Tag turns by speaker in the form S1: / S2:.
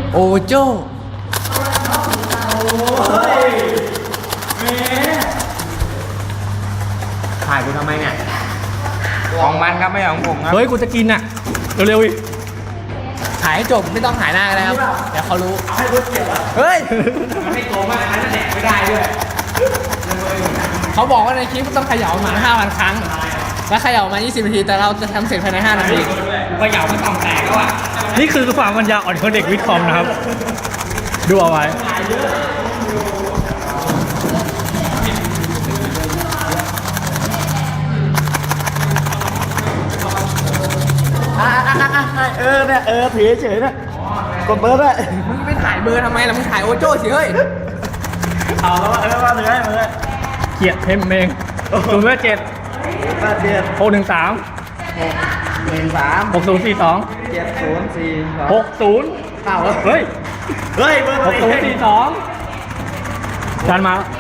S1: โอโจ้ถ่ายกูทำไมเนี่ยของมันครับไม่ใช่ของผมครับ
S2: เฮ้ยกูจะกินอ่ะเร็วๆอีก
S1: ถ่ายให้จบไม่ต้องถ่ายหน้ากันนะครับเดี๋ยวเขารู้เฮ้ยมันไม่โกงมากอันนั้นแดกไม่ได้ด้วยเขาบอกว่าในคลิปต้องเขย่าประมาณ 5,000 ครั้งแล้วเขย่ามา 20 นาทีแต่เราจะทำเสร็จภายใน 5 นาทีเขย่ามันต้องแตกแล้วอ่ะ
S2: นี่คือความปัญญาอ่อนของเด็กวิทย์คอมนะครับดูเอาไว้
S3: เนี่ยถือเฉยนะกดเบอร์ด้วย
S1: มึงไปถ่ายเบอร์ทำไมล่ะมึงถ่ายโอโจ้สิเฮ้ย
S3: เอาแล้วว่าถือให้มาเลย
S2: เกลียดเทมเอง0 7
S3: 8 7
S2: 6 1 3
S3: 1 3
S2: 6 0 4 2
S3: 7 0 4
S2: 6 0
S3: เอา
S2: เฮ้ย
S3: เฮ้ยเบอร์
S2: 6 0 4 2จานมา